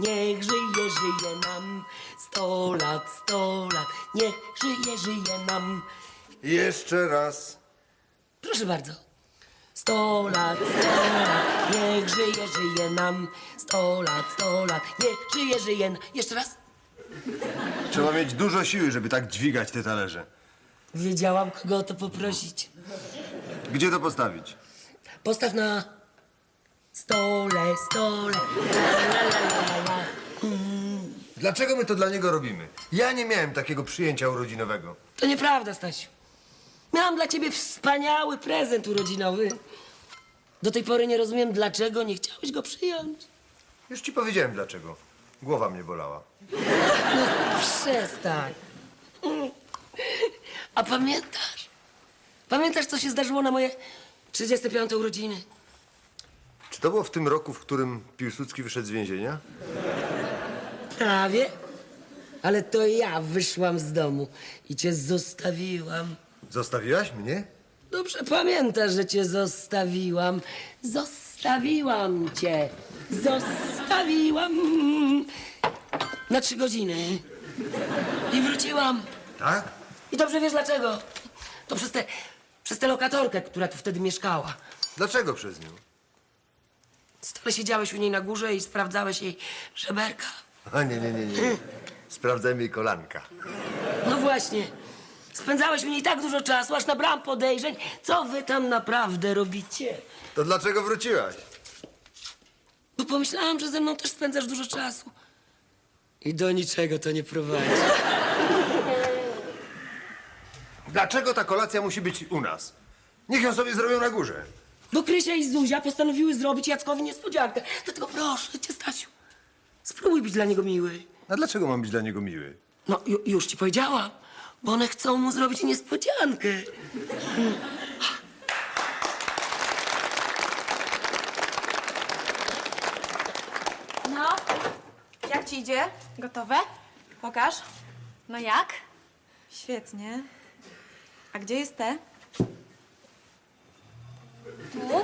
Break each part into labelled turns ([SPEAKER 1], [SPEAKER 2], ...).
[SPEAKER 1] niech żyje, żyje nam. 100 lat, 100 lat, niech żyje, żyje nam.
[SPEAKER 2] Jeszcze raz.
[SPEAKER 1] Proszę bardzo. 100 lat, 100 lat, niech żyje, żyje nam. 100 lat, 100 lat, niech żyje, żyje nam. Jeszcze raz.
[SPEAKER 2] Trzeba mieć dużo siły, żeby tak dźwigać te talerze.
[SPEAKER 1] Wiedziałam, kogo o to poprosić.
[SPEAKER 2] Gdzie to postawić?
[SPEAKER 1] Postaw na stole, stole. La, la, la, la, la.
[SPEAKER 2] Dlaczego my to dla niego robimy? Ja nie miałem takiego przyjęcia urodzinowego.
[SPEAKER 1] To nieprawda, Stasiu. Miałam dla ciebie wspaniały prezent urodzinowy. Do tej pory nie rozumiem, dlaczego nie chciałeś go przyjąć.
[SPEAKER 2] Już ci powiedziałem dlaczego. Głowa mnie bolała.
[SPEAKER 1] No, przestań. A pamiętasz? Pamiętasz, co się zdarzyło na moje 35. urodziny?
[SPEAKER 2] Czy to było w tym roku, w którym Piłsudski wyszedł z więzienia?
[SPEAKER 1] Prawie. Ale to ja wyszłam z domu i cię zostawiłam.
[SPEAKER 2] Zostawiłaś mnie?
[SPEAKER 1] Dobrze pamiętasz, że cię zostawiłam. Zostawiłam cię. Zostawiłam. Na 3 godziny. I wróciłam.
[SPEAKER 2] Tak?
[SPEAKER 1] I dobrze wiesz dlaczego. To przez tę lokatorkę, która tu wtedy mieszkała.
[SPEAKER 2] Dlaczego przez nią?
[SPEAKER 1] Stale siedziałeś u niej na górze i sprawdzałeś jej żeberka.
[SPEAKER 2] A nie. Sprawdzałem jej kolanka.
[SPEAKER 1] No właśnie. Spędzałeś u niej tak dużo czasu, aż nabrałam podejrzeń, co wy tam naprawdę robicie.
[SPEAKER 2] To dlaczego wróciłaś?
[SPEAKER 1] Bo pomyślałam, że ze mną też spędzasz dużo czasu. I do niczego to nie prowadzi.
[SPEAKER 2] Dlaczego ta kolacja musi być u nas? Niech ją sobie zrobią na górze.
[SPEAKER 1] Bo Krysia i Zuzia postanowiły zrobić Jackowi niespodziankę. Dlatego proszę cię, Stasiu, spróbuj być dla niego miły.
[SPEAKER 2] A dlaczego mam być dla niego miły?
[SPEAKER 1] No, już ci powiedziałam, bo one chcą mu zrobić niespodziankę.
[SPEAKER 3] No, jak ci idzie? Gotowe? Pokaż. No jak? Świetnie. A gdzie jest te? Tu?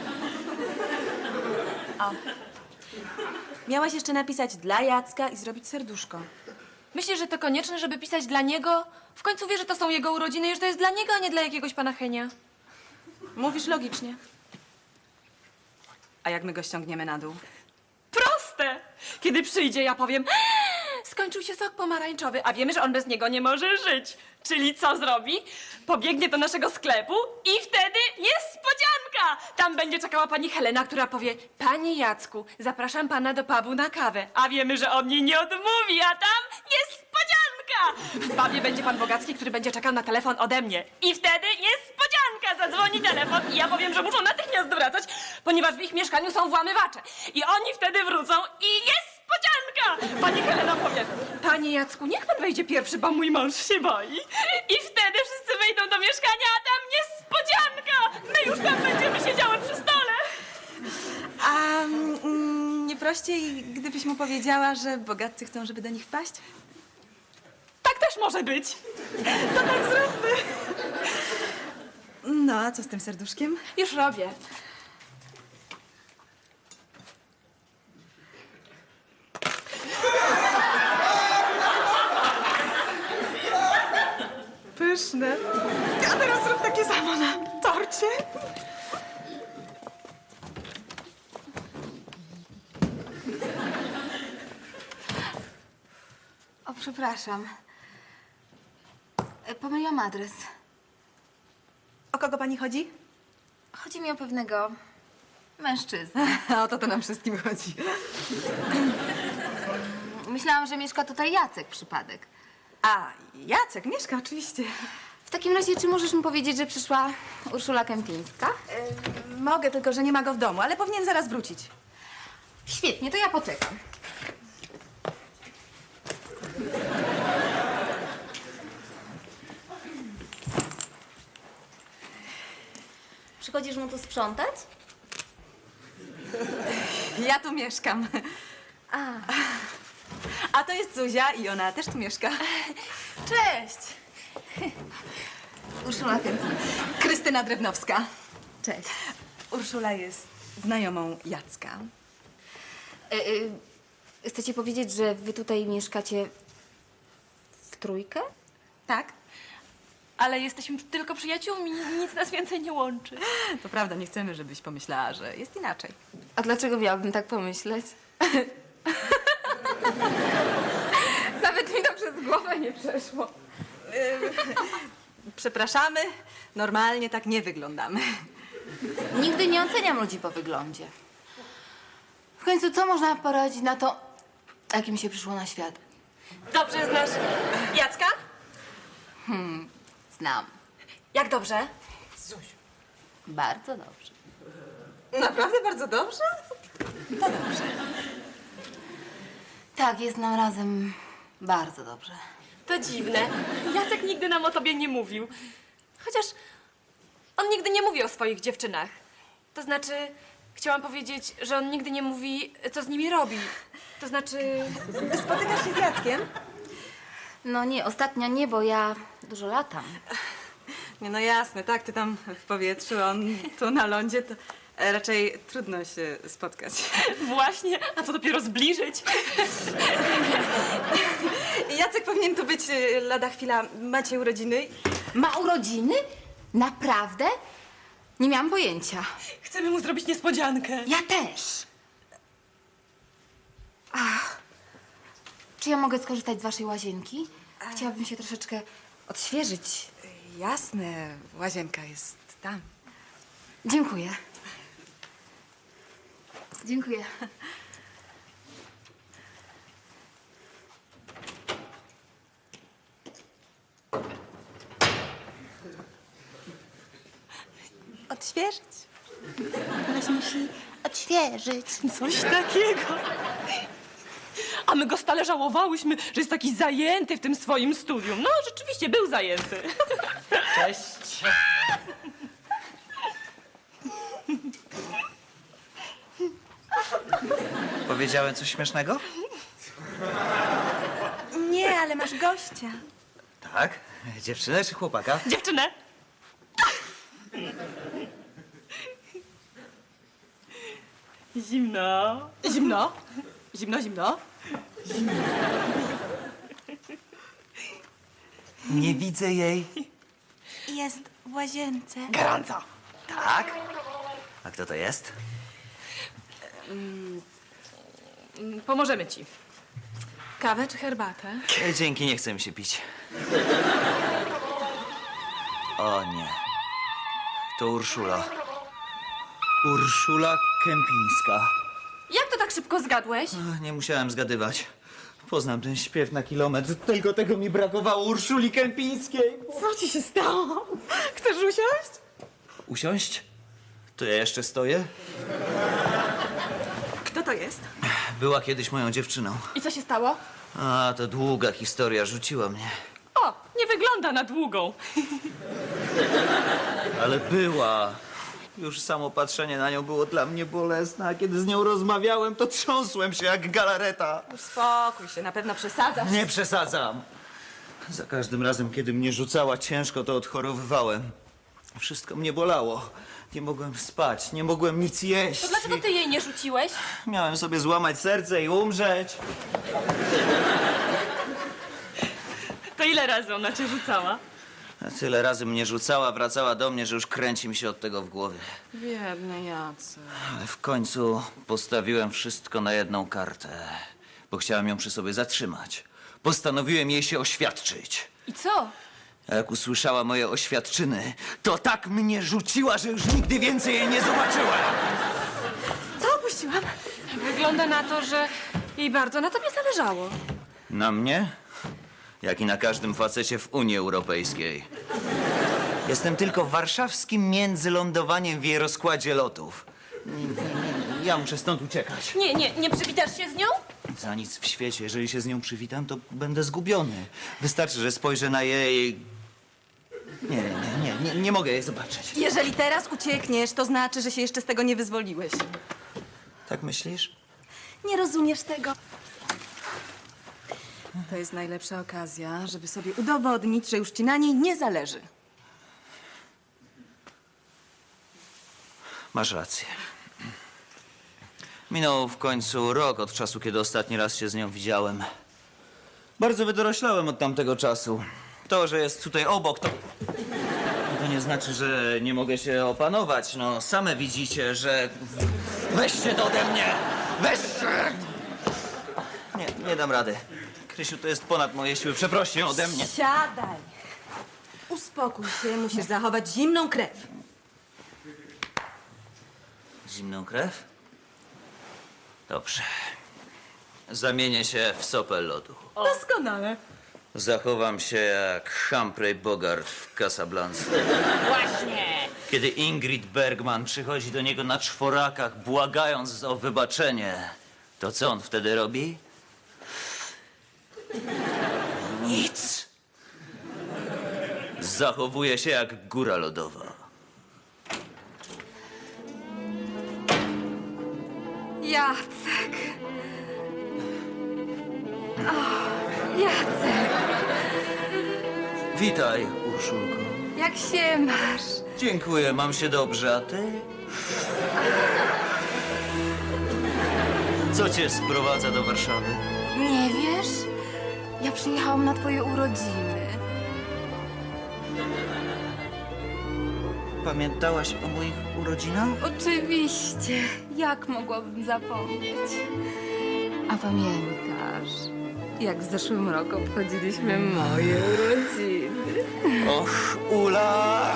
[SPEAKER 3] O. Miałaś jeszcze napisać dla Jacka i zrobić serduszko.
[SPEAKER 4] Myślisz, że to konieczne, żeby pisać dla niego? W końcu wie, że to są jego urodziny i że to jest dla niego, a nie dla jakiegoś pana Henia.
[SPEAKER 3] Mówisz logicznie. A jak my go ściągniemy na dół?
[SPEAKER 4] Proste! Kiedy przyjdzie, ja powiem: skończył się sok pomarańczowy, a wiemy, że on bez niego nie może żyć. Czyli co zrobi? Pobiegnie do naszego sklepu i wtedy niespodzianka! Tam będzie czekała pani Helena, która powie: panie Jacku, zapraszam pana do pubu na kawę. A wiemy, że on jej nie odmówi, a tam niespodzianka! W pubie będzie pan Bogacki, który będzie czekał na telefon ode mnie. I wtedy niespodzianka! Zadzwoni telefon i ja powiem, że muszą natychmiast wracać, ponieważ w ich mieszkaniu są włamywacze. I oni wtedy wrócą i niespodzianka! Pani Helena powie: panie Jacku, niech pan wejdzie pierwszy, bo mój mąż się boi. I wtedy wszyscy wejdą do mieszkania, a tam niespodzianka! My już tam będziemy siedziały przy stole.
[SPEAKER 3] A nie prościej, gdybyś mu powiedziała, że bogatcy chcą, żeby do nich wpaść?
[SPEAKER 4] Tak też może być.
[SPEAKER 3] To tak zróbmy. No, a co z tym serduszkiem?
[SPEAKER 4] Już robię.
[SPEAKER 3] Pyszne. A teraz zrób takie samo na torcie.
[SPEAKER 5] O, przepraszam. Pomyliłam adres.
[SPEAKER 3] O kogo pani chodzi?
[SPEAKER 5] Chodzi mi o pewnego mężczyznę.
[SPEAKER 3] A o to nam wszystkim chodzi.
[SPEAKER 5] Myślałam, że mieszka tutaj Jacek, przypadek.
[SPEAKER 3] A, Jacek mieszka oczywiście.
[SPEAKER 5] W takim razie, czy możesz mi powiedzieć, że przyszła Urszula Kępińska?
[SPEAKER 3] Mogę, tylko że nie ma go w domu, ale powinien zaraz wrócić.
[SPEAKER 5] Świetnie, to ja poczekam. Przychodzisz mu tu sprzątać?
[SPEAKER 3] Ja tu mieszkam. A to jest Zuzia i ona też tu mieszka.
[SPEAKER 5] Cześć! Urszula Kępińska.
[SPEAKER 3] Krystyna Drewnowska.
[SPEAKER 5] chcecie powiedzieć, że wy tutaj mieszkacie w trójkę?
[SPEAKER 4] Tak. Ale jesteśmy tylko przyjaciółmi, nic nas więcej nie łączy.
[SPEAKER 3] To prawda, nie chcemy, żebyś pomyślała, że jest inaczej.
[SPEAKER 5] A dlaczego miałabym tak pomyśleć? Nawet mi to przez głowę nie przeszło.
[SPEAKER 3] Przepraszamy, normalnie tak nie wyglądamy.
[SPEAKER 5] Nigdy nie oceniam ludzi po wyglądzie. W końcu co można poradzić na to, jakim się przyszło na świat?
[SPEAKER 4] Dobrze znasz Jacka?
[SPEAKER 5] Znam.
[SPEAKER 4] Jak dobrze?
[SPEAKER 5] Bardzo dobrze.
[SPEAKER 3] Naprawdę bardzo dobrze? To dobrze.
[SPEAKER 5] Tak, jest nam razem bardzo dobrze.
[SPEAKER 4] To dziwne. Jacek nigdy nam o tobie nie mówił. Chociaż on nigdy nie mówi o swoich dziewczynach. To znaczy, chciałam powiedzieć, że on nigdy nie mówi, co z nimi robi. To znaczy...
[SPEAKER 3] Spotykasz się z Jackiem?
[SPEAKER 5] No nie, ostatnio nie, bo ja dużo latam.
[SPEAKER 3] Nie, no jasne, tak, ty tam w powietrzu, on tu na lądzie, to raczej trudno się spotkać.
[SPEAKER 4] Właśnie, a co dopiero zbliżyć?
[SPEAKER 3] Jacek powinien tu być lada chwila. Macie urodziny?
[SPEAKER 5] Ma urodziny? Naprawdę? Nie miałam pojęcia.
[SPEAKER 4] Chcemy mu zrobić niespodziankę.
[SPEAKER 5] Ja też. Czy ja mogę skorzystać z waszej łazienki? Chciałabym się troszeczkę odświeżyć.
[SPEAKER 3] Jasne, łazienka jest tam.
[SPEAKER 5] Dziękuję. Dziękuję.
[SPEAKER 3] Odświeżyć?
[SPEAKER 5] Ktoś musi odświeżyć.
[SPEAKER 4] Coś takiego. A my go stale żałowałyśmy, że jest taki zajęty w tym swoim studium. No, rzeczywiście był zajęty.
[SPEAKER 6] Cześć. Powiedziałem coś śmiesznego?
[SPEAKER 3] Nie, ale masz gościa.
[SPEAKER 6] Tak. Dziewczynę czy chłopaka?
[SPEAKER 4] Dziewczynę. Zimno.
[SPEAKER 3] Zimno? Zimno, zimno?
[SPEAKER 6] Nie widzę jej.
[SPEAKER 3] Jest w łazience.
[SPEAKER 6] Gorąco. Tak? A kto to jest?
[SPEAKER 4] Pomożemy ci. Kawę czy herbatę?
[SPEAKER 6] Dzięki, nie chce mi się pić. O nie. To Urszula. Urszula Kępińska.
[SPEAKER 4] Jak to tak szybko zgadłeś?
[SPEAKER 6] Nie musiałem zgadywać. Poznam ten śpiew na kilometr. Tylko tego mi brakowało, Urszuli Kępińskiej.
[SPEAKER 4] Co ci się stało? Chcesz usiąść?
[SPEAKER 6] Usiąść? To ja jeszcze stoję?
[SPEAKER 3] Kto to jest?
[SPEAKER 6] Była kiedyś moją dziewczyną.
[SPEAKER 4] I co się stało?
[SPEAKER 6] A, to długa historia, rzuciła mnie.
[SPEAKER 4] O, nie wygląda na długą.
[SPEAKER 6] Ale była. Już samo patrzenie na nią było dla mnie bolesne, a kiedy z nią rozmawiałem, to trząsłem się jak galareta.
[SPEAKER 3] Uspokój się, na pewno przesadzasz.
[SPEAKER 6] Nie przesadzam. Za każdym razem, kiedy mnie rzucała ciężko, to odchorowywałem. Wszystko mnie bolało. Nie mogłem spać, nie mogłem nic jeść.
[SPEAKER 4] To dlaczego ty jej nie rzuciłeś?
[SPEAKER 6] Miałem sobie złamać serce i umrzeć.
[SPEAKER 4] To ile razy ona cię rzucała?
[SPEAKER 6] Tyle razy mnie rzucała, wracała do mnie, że już kręci mi się od tego w głowie.
[SPEAKER 3] Biedny Jacek.
[SPEAKER 6] Ale w końcu postawiłem wszystko na jedną kartę, bo chciałem ją przy sobie zatrzymać. Postanowiłem jej się oświadczyć.
[SPEAKER 4] I co?
[SPEAKER 6] A jak usłyszała moje oświadczyny, to tak mnie rzuciła, że już nigdy więcej jej nie zobaczyłem.
[SPEAKER 3] Co opuściłam?
[SPEAKER 4] Wygląda na to, że jej bardzo na tobie zależało.
[SPEAKER 6] Na mnie? Jak i na każdym facecie w Unii Europejskiej. Jestem tylko warszawskim międzylądowaniem w jej rozkładzie lotów. Ja muszę stąd uciekać.
[SPEAKER 4] Nie przywitasz się z nią?
[SPEAKER 6] Za nic w świecie. Jeżeli się z nią przywitam, to będę zgubiony. Wystarczy, że spojrzę na jej... Nie mogę jej zobaczyć.
[SPEAKER 3] Jeżeli teraz uciekniesz, to znaczy, że się jeszcze z tego nie wyzwoliłeś.
[SPEAKER 6] Tak myślisz?
[SPEAKER 3] Nie rozumiesz tego. To jest najlepsza okazja, żeby sobie udowodnić, że już ci na niej nie zależy.
[SPEAKER 6] Masz rację. Minął w końcu rok od czasu, kiedy ostatni raz się z nią widziałem. Bardzo wydoroślałem od tamtego czasu. To, że jest tutaj obok, to nie znaczy, że nie mogę się opanować. No, same widzicie, że... Weźcie to ode mnie! Weźcie! Nie dam rady. Krysiu, to jest ponad moje siły. Przeproś ją ode mnie.
[SPEAKER 7] Siadaj. Uspokój się, musisz zachować zimną krew.
[SPEAKER 6] Zimną krew? Dobrze. Zamienię się w sopę lodu.
[SPEAKER 7] Doskonale.
[SPEAKER 6] Zachowam się jak Humphrey Bogart w Casablanca.
[SPEAKER 4] Właśnie!
[SPEAKER 6] Kiedy Ingrid Bergman przychodzi do niego na czworakach, błagając o wybaczenie, to co on wtedy robi? Nic. Zachowuje się jak góra lodowa.
[SPEAKER 3] Jacek. Jacek,
[SPEAKER 6] Witaj, Urszulko.
[SPEAKER 3] jak się masz?
[SPEAKER 6] Dziękuję, mam się dobrze, a ty? Co cię sprowadza do Warszawy?
[SPEAKER 3] Nie wiesz? Ja przyjechałam na twoje urodziny.
[SPEAKER 6] Pamiętałaś o moich urodzinach?
[SPEAKER 3] Oczywiście. Jak mogłabym zapomnieć? A pamiętasz, jak w zeszłym roku obchodziliśmy moje urodziny?
[SPEAKER 6] Och, Ula!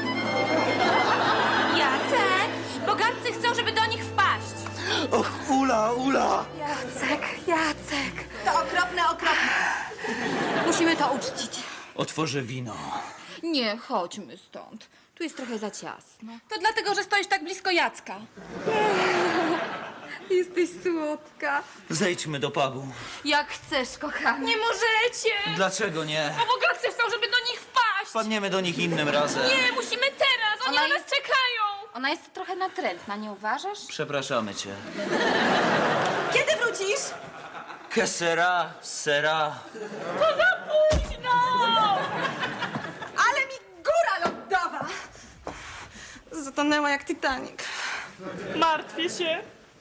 [SPEAKER 4] Jacek! Bogatcy chcą, żeby do nich wpaść.
[SPEAKER 6] Och, Ula!
[SPEAKER 3] Jacek.
[SPEAKER 7] To okropne, okropne.
[SPEAKER 3] Musimy to uczcić.
[SPEAKER 6] Otworzę wino.
[SPEAKER 3] Nie, chodźmy stąd. Tu jest trochę za ciasno.
[SPEAKER 4] To dlatego, że stoisz tak blisko Jacka.
[SPEAKER 3] Jesteś słodka.
[SPEAKER 6] Zejdźmy do pubu.
[SPEAKER 3] Jak chcesz, kochanie.
[SPEAKER 4] Nie możecie!
[SPEAKER 6] Dlaczego nie?
[SPEAKER 4] Bo bogatcy chcą, żeby do nich wpaść.
[SPEAKER 6] Wpadniemy do nich innym razem.
[SPEAKER 4] Nie, musimy teraz! Oni
[SPEAKER 3] Ona
[SPEAKER 4] na nas
[SPEAKER 3] jest-
[SPEAKER 4] czekają!
[SPEAKER 3] Ona jest trochę natrętna, nie uważasz?
[SPEAKER 6] Przepraszamy cię.
[SPEAKER 7] Kiedy wrócisz?
[SPEAKER 6] Que sera, sera.
[SPEAKER 4] To za późno!
[SPEAKER 7] Ale mi góra lodowa!
[SPEAKER 3] Zatonęła jak Titanic.
[SPEAKER 4] Martwię się.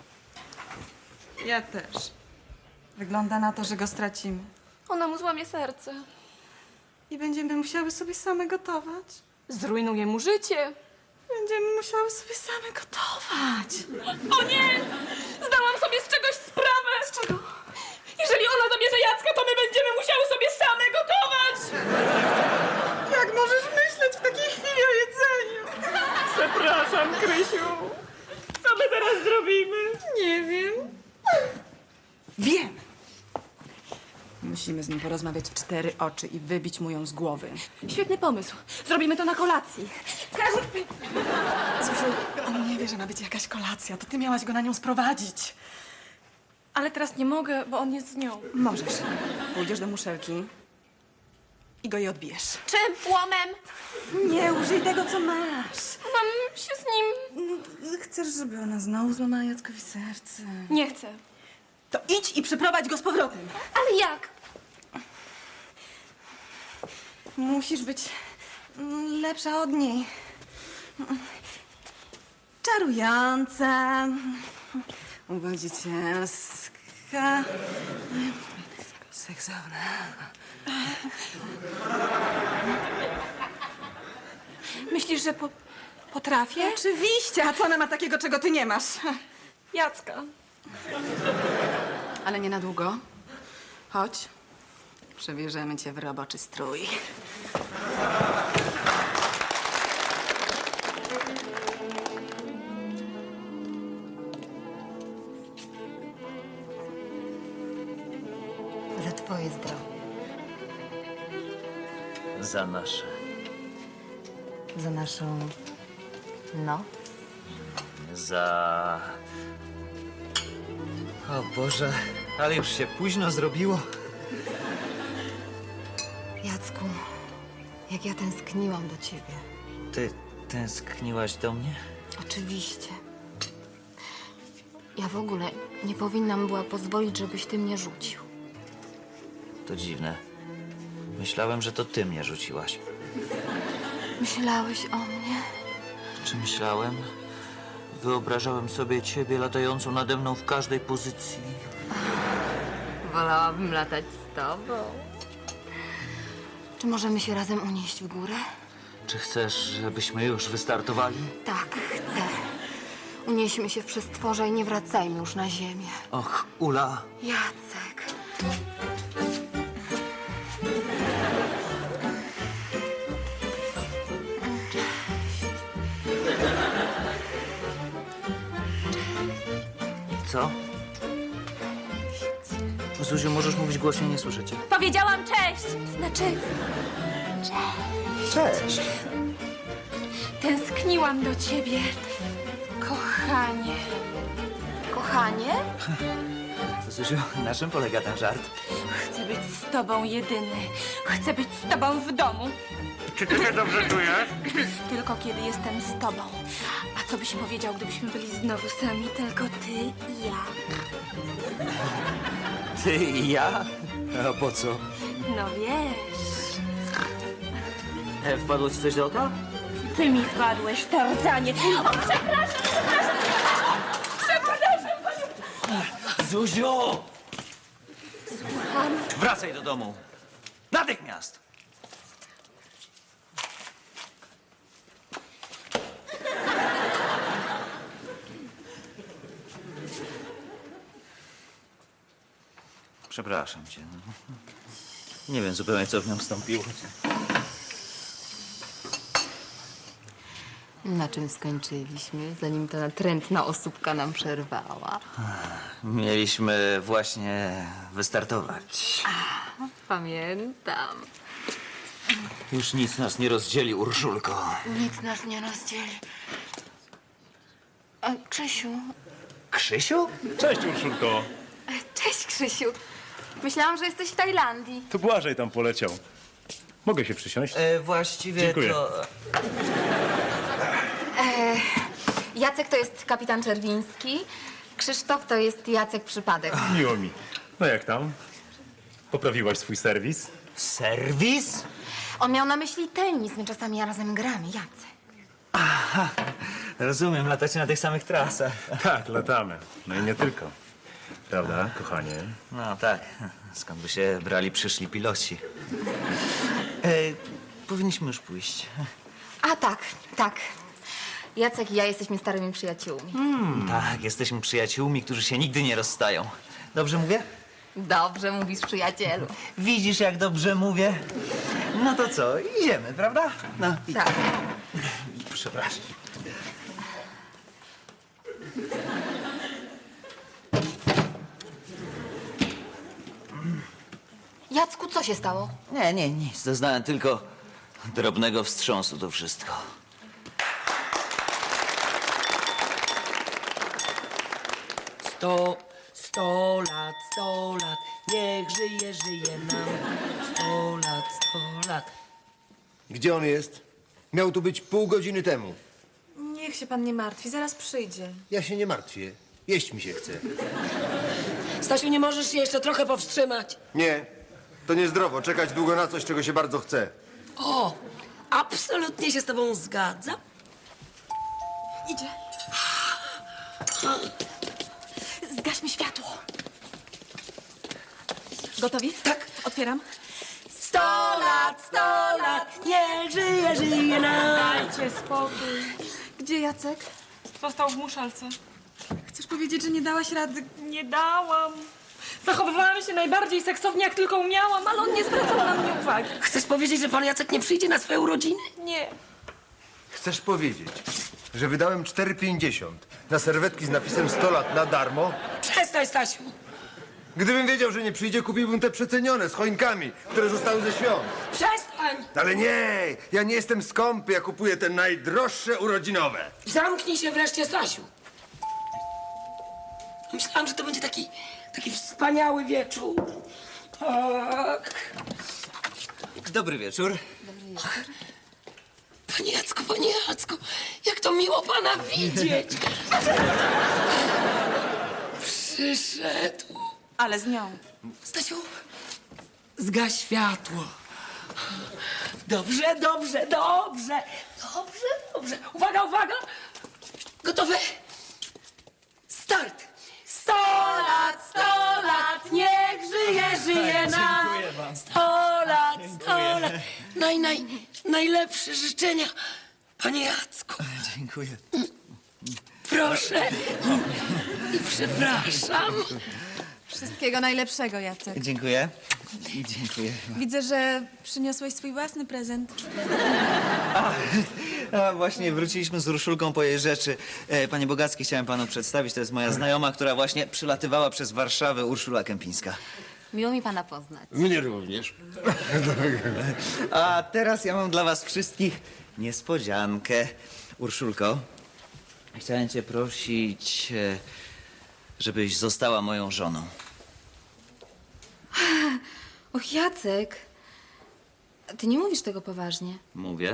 [SPEAKER 3] Ja też. Wygląda na to, że go stracimy.
[SPEAKER 4] Ona mu złamie serce.
[SPEAKER 3] I będziemy musiały sobie same gotować.
[SPEAKER 4] Zrujnuje mu życie.
[SPEAKER 3] Będziemy musiały sobie same gotować.
[SPEAKER 4] O nie! Zdałam sobie z czegoś sprawę! Z czego? Jeżeli ona zabierze Jacka, to my będziemy musiały sobie same gotować!
[SPEAKER 3] Jak możesz myśleć w takiej chwili o jedzeniu?
[SPEAKER 4] Przepraszam, Krysiu. Co my teraz zrobimy?
[SPEAKER 3] Nie wiem.
[SPEAKER 7] Wiem. Musimy z nim porozmawiać w 4 oczy i wybić mu ją z głowy.
[SPEAKER 4] Świetny pomysł. Zrobimy to na kolacji.
[SPEAKER 3] Zuziu, on nie wie, że ma być jakaś kolacja. To ty miałaś go na nią sprowadzić.
[SPEAKER 4] Ale teraz nie mogę, bo on jest z nią.
[SPEAKER 7] Możesz. Pójdziesz do muszelki i go jej odbijesz.
[SPEAKER 4] Czym? Łomem?
[SPEAKER 7] Nie, użyj tego, co masz.
[SPEAKER 4] Mam się z nim...
[SPEAKER 3] Chcesz, żeby ona znowu złamała Jackowi serce?
[SPEAKER 4] Nie chcę.
[SPEAKER 7] To idź i przyprowadź go z powrotem.
[SPEAKER 4] Ale jak?
[SPEAKER 3] Musisz być lepsza od niej. Czarująca, uwodzicielska, seksowna.
[SPEAKER 4] Myślisz, że potrafię?
[SPEAKER 3] Oczywiście, a co ona ma takiego, czego ty nie masz?
[SPEAKER 4] Jacka.
[SPEAKER 3] Ale nie na długo. Chodź, przebierzemy cię w roboczy strój.
[SPEAKER 5] Za twoje zdrowie.
[SPEAKER 6] Za nasze.
[SPEAKER 5] Za naszą noc.
[SPEAKER 6] Za... O Boże, ale już się późno zrobiło.
[SPEAKER 5] Jacku, jak ja tęskniłam do ciebie.
[SPEAKER 6] Ty tęskniłaś do mnie?
[SPEAKER 5] Oczywiście. Ja w ogóle nie powinnam była pozwolić, żebyś ty mnie rzucił.
[SPEAKER 6] To dziwne. Myślałem, że to ty mnie rzuciłaś.
[SPEAKER 5] Myślałeś o mnie?
[SPEAKER 6] Czy myślałem? Wyobrażałem sobie ciebie latającą nade mną w każdej pozycji.
[SPEAKER 5] Wolałabym latać z tobą. Czy możemy się razem unieść w górę?
[SPEAKER 6] Czy chcesz, żebyśmy już wystartowali?
[SPEAKER 5] Tak, chcę. Unieśmy się w przestworze i nie wracajmy już na ziemię.
[SPEAKER 6] Och, Ula.
[SPEAKER 5] Jacek.
[SPEAKER 6] Co? Zuziu, możesz mówić głośniej, nie słyszę cię.
[SPEAKER 4] Powiedziałam cześć!
[SPEAKER 5] Znaczy,
[SPEAKER 6] Cześć.
[SPEAKER 4] Tęskniłam do ciebie, kochanie.
[SPEAKER 5] kochanie?
[SPEAKER 6] Zuziu, na czym polega ten żart?
[SPEAKER 4] Chcę być z tobą jedyny. Chcę być z tobą w domu.
[SPEAKER 2] Czy ty się dobrze czujesz?
[SPEAKER 4] Tylko kiedy jestem z tobą. A co byś powiedział, gdybyśmy byli znowu sami, tylko ty i ja?
[SPEAKER 6] Ty i ja? A po co?
[SPEAKER 4] No wiesz,
[SPEAKER 6] Wpadło ci coś do oka?
[SPEAKER 4] ty mi wpadłeś, Tarzanie. O, przepraszam!
[SPEAKER 6] Zuziu! Wracaj do domu. Natychmiast! Przepraszam cię. Nie wiem zupełnie, co w nią wstąpiło.
[SPEAKER 5] Na czym skończyliśmy, zanim ta natrętna osóbka nam przerwała?
[SPEAKER 6] Mieliśmy właśnie wystartować.
[SPEAKER 5] Pamiętam.
[SPEAKER 6] Już nic nas nie rozdzieli, Urszulko.
[SPEAKER 5] Nic nas nie rozdzieli. Krzysiu.
[SPEAKER 6] Krzysiu?
[SPEAKER 8] Cześć, Urszulko.
[SPEAKER 5] Cześć, Krzysiu. Myślałam, że jesteś w Tajlandii.
[SPEAKER 8] To Błażej tam poleciał. Mogę się przysiąść?
[SPEAKER 6] Właściwie
[SPEAKER 8] Dziękuję.
[SPEAKER 6] to...
[SPEAKER 5] Jacek to jest kapitan Czerwiński. Krzysztof to jest Jacek Przypadek.
[SPEAKER 8] Miło mi. No jak tam? Poprawiłaś swój serwis?
[SPEAKER 6] Serwis?
[SPEAKER 5] On miał na myśli tenis. My czasami razem gramy, Jacek.
[SPEAKER 6] Rozumiem, latacie na tych samych trasach.
[SPEAKER 8] Tak, latamy. No i nie tylko. Prawda, kochanie?
[SPEAKER 6] No tak, skąd by się brali przyszli piloci. Powinniśmy już pójść.
[SPEAKER 5] A tak. Jacek i ja jesteśmy starymi przyjaciółmi.
[SPEAKER 6] Tak, jesteśmy przyjaciółmi, którzy się nigdy nie rozstają. Dobrze mówię?
[SPEAKER 5] Dobrze mówisz, przyjacielu.
[SPEAKER 6] Widzisz, jak dobrze mówię? No to co, idziemy, prawda? No,
[SPEAKER 5] Tak.
[SPEAKER 6] przepraszam.
[SPEAKER 5] Jacku, co się stało?
[SPEAKER 6] Nie, nic. Doznałem tylko drobnego wstrząsu, to wszystko.
[SPEAKER 1] Sto lat, niech żyje nam. 100 lat.
[SPEAKER 2] Gdzie on jest? Miał tu być pół godziny temu.
[SPEAKER 3] Niech się pan nie martwi, zaraz przyjdzie.
[SPEAKER 2] Ja się nie martwię. Jeść mi się chce.
[SPEAKER 1] Stasiu, nie możesz się jeszcze trochę powstrzymać?
[SPEAKER 2] Nie, to niezdrowo czekać długo na coś, czego się bardzo chce.
[SPEAKER 1] O, absolutnie się z tobą zgadzam.
[SPEAKER 3] Idzie. Zgaśmy światło. Gotowi?
[SPEAKER 1] Tak.
[SPEAKER 3] Otwieram.
[SPEAKER 1] 100 lat, niech żyje nam.
[SPEAKER 4] dajcie spokój.
[SPEAKER 3] Gdzie Jacek?
[SPEAKER 4] Został w muszelce.
[SPEAKER 3] Chcesz powiedzieć, że nie dałaś rady?
[SPEAKER 4] Nie dałam. Zachowywałam się najbardziej seksownie, jak tylko umiałam, ale on nie zwracał na mnie uwagi.
[SPEAKER 1] Chcesz powiedzieć, że pan Jacek nie przyjdzie na swoje urodziny?
[SPEAKER 4] Nie.
[SPEAKER 2] Chcesz powiedzieć, że wydałem 4,50 na serwetki z napisem 100 lat na darmo?
[SPEAKER 1] Przestań, Stasiu.
[SPEAKER 2] Gdybym wiedział, że nie przyjdzie, kupiłbym te przecenione z choinkami, które zostały ze świąt.
[SPEAKER 1] Przestań.
[SPEAKER 2] Ale nie, ja nie jestem skąpy, ja kupuję te najdroższe urodzinowe.
[SPEAKER 1] Zamknij się wreszcie, Stasiu. Myślałam, że to będzie taki wspaniały wieczór. Tak.
[SPEAKER 6] Dobry wieczór.
[SPEAKER 1] Panie Jacku, jak to miło pana widzieć. Przyszedł.
[SPEAKER 3] Ale z nią.
[SPEAKER 1] Stasiu, zgaś światło. Dobrze. Uwaga. Gotowe? Start! 100 lat, niech żyje nam. 100 lat. Najlepsze życzenia, panie Jacku.
[SPEAKER 6] Dziękuję.
[SPEAKER 1] Proszę. I przepraszam.
[SPEAKER 3] Wszystkiego najlepszego, Jacek.
[SPEAKER 6] Dziękuję. Dziękuję.
[SPEAKER 3] Widzę, że przyniosłeś swój własny prezent.
[SPEAKER 6] A właśnie wróciliśmy z Urszulką po jej rzeczy. Panie Bogacki, chciałem panu przedstawić. To jest moja znajoma, która właśnie przylatywała przez Warszawę, Urszula Kępińska.
[SPEAKER 5] Miło mi pana poznać.
[SPEAKER 2] Mnie również.
[SPEAKER 6] A teraz ja mam dla was wszystkich niespodziankę. Urszulko, chciałem cię prosić, żebyś została moją żoną.
[SPEAKER 5] Och, Jacek. Ty nie mówisz tego poważnie.
[SPEAKER 6] Mówię.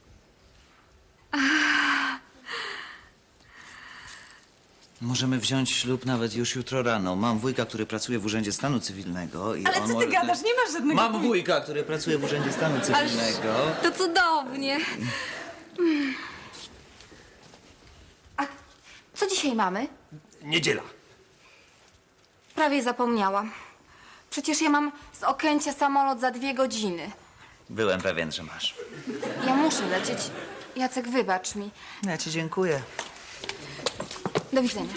[SPEAKER 6] Możemy wziąć ślub nawet już jutro rano. Mam wujka, który pracuje w Urzędzie Stanu Cywilnego i
[SPEAKER 3] Ale
[SPEAKER 6] on
[SPEAKER 3] co ty gadasz? Nie masz żadnego
[SPEAKER 6] Mam wujka, który pracuje w Urzędzie Stanu Cywilnego.
[SPEAKER 5] To cudownie. A co dzisiaj mamy?
[SPEAKER 2] Niedziela.
[SPEAKER 5] Prawie zapomniałam. Przecież ja mam z Okęcia samolot za 2 godziny.
[SPEAKER 6] Byłem pewien, że masz.
[SPEAKER 5] Ja muszę lecieć. Jacek, wybacz mi.
[SPEAKER 6] Ja ci dziękuję.
[SPEAKER 5] Do widzenia.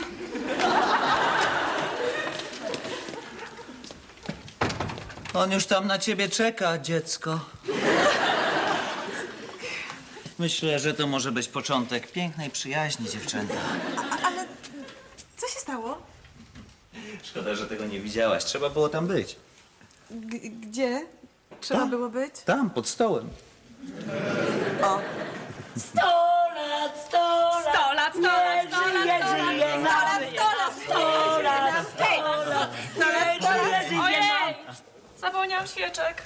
[SPEAKER 6] On już tam na ciebie czeka, dziecko. Myślę, że to może być początek pięknej przyjaźni, dziewczęta.
[SPEAKER 3] Ale co się stało?
[SPEAKER 6] Szkoda, że tego nie widziałaś. Trzeba było tam być.
[SPEAKER 3] Gdzie trzeba było być?
[SPEAKER 6] Tam, pod stołem.
[SPEAKER 1] 100 lat, 100 lat.
[SPEAKER 4] 100 lat, 100 lat, 100 lat,
[SPEAKER 1] 100 lat, 100 lat.
[SPEAKER 4] Ojej! Zapomniałam świeczek.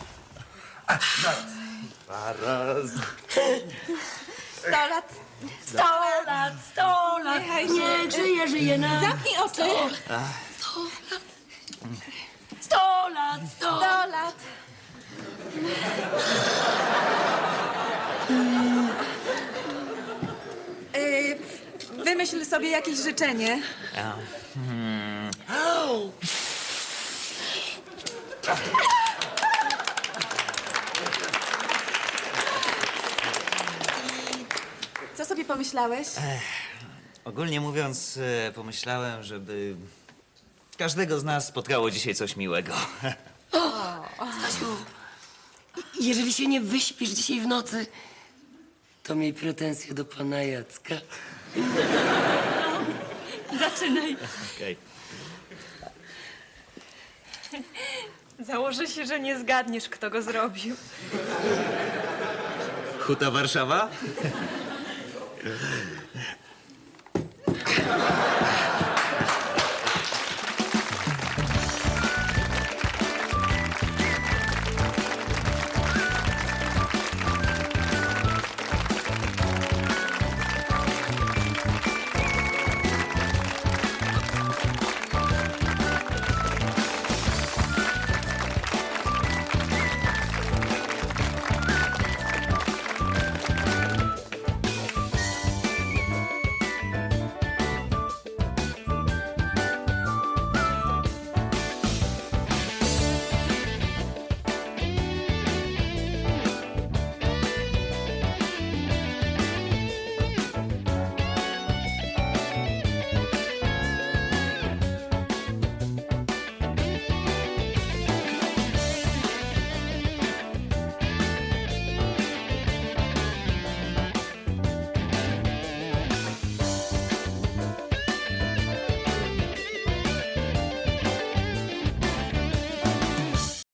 [SPEAKER 3] 100 lat.
[SPEAKER 1] 100 lat, 100 lat. Niech żyje nam.
[SPEAKER 3] Zamknij oczy.
[SPEAKER 1] 100 lat, 100
[SPEAKER 3] 100 lat. Wymyśl sobie jakieś życzenie. Co sobie pomyślałeś?
[SPEAKER 6] Ogólnie mówiąc, pomyślałem, żeby każdego z nas spotkało dzisiaj coś miłego.
[SPEAKER 1] Stasiu, jeżeli się nie wyśpisz dzisiaj w nocy, to miej pretensje do pana Jacka.
[SPEAKER 4] Zaczynaj.
[SPEAKER 6] Okej.
[SPEAKER 4] Założę się, że nie zgadniesz, kto go zrobił.
[SPEAKER 6] Huta Warszawa?